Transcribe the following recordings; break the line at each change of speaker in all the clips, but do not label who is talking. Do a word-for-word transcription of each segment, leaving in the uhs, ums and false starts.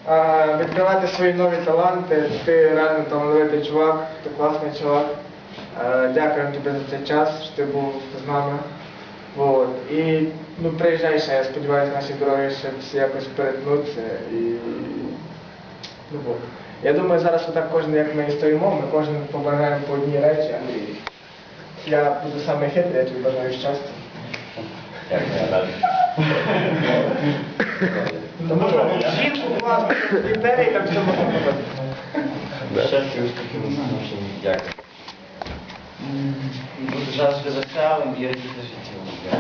а, відкривати свої нові таланти. Ти реально талановитий чувак, ти класний чувак. Е, Дякуємо тобі за цей час, що ти був з нами. Вот. І ну, приїжджай ще, я сподіваюся, наші дороги ще всі якось перетнуться. І... Ну, вот. Я думаю, зараз отак кожен, як ми і стоїмо, ми кожен побажаємо по одній речі, Андрій. Я буду самий хитрий, я тобі бажаю щастя. Тому що жінку класно, дітей, там все можна робити.
Щастя, успіхів у нашому. Дякую. Бути завжди веселим і радіти життю.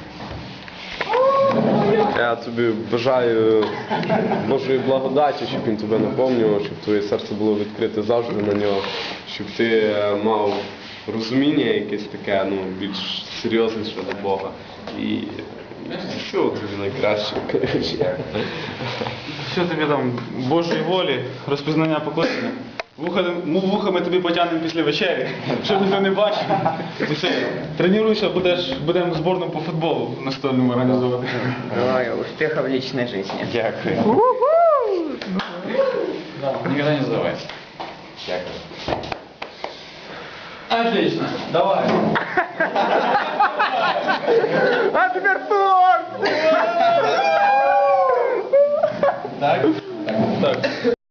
Я тобі бажаю Божої благодаті, щоб він тебе наповнював, щоб твоє серце було відкрите завжди на нього, щоб ти мав розуміння якесь таке, ну, більш серйозніше до Бога. І всього тобі найкраще.
Що тобі там, Божої волі, розпізнання покликання? Вухами, вухами тобі потягнемо після вечері, щоб ніхто не бачив. І все, тренуйся, будеш, будемо зборну по футболу настольному організовувати.
Желаю успехов в личной жизни.
Дякую. Никогда не сдавайся. Дякую.
Отлично, давай.
А тепер торт!
Так? Так.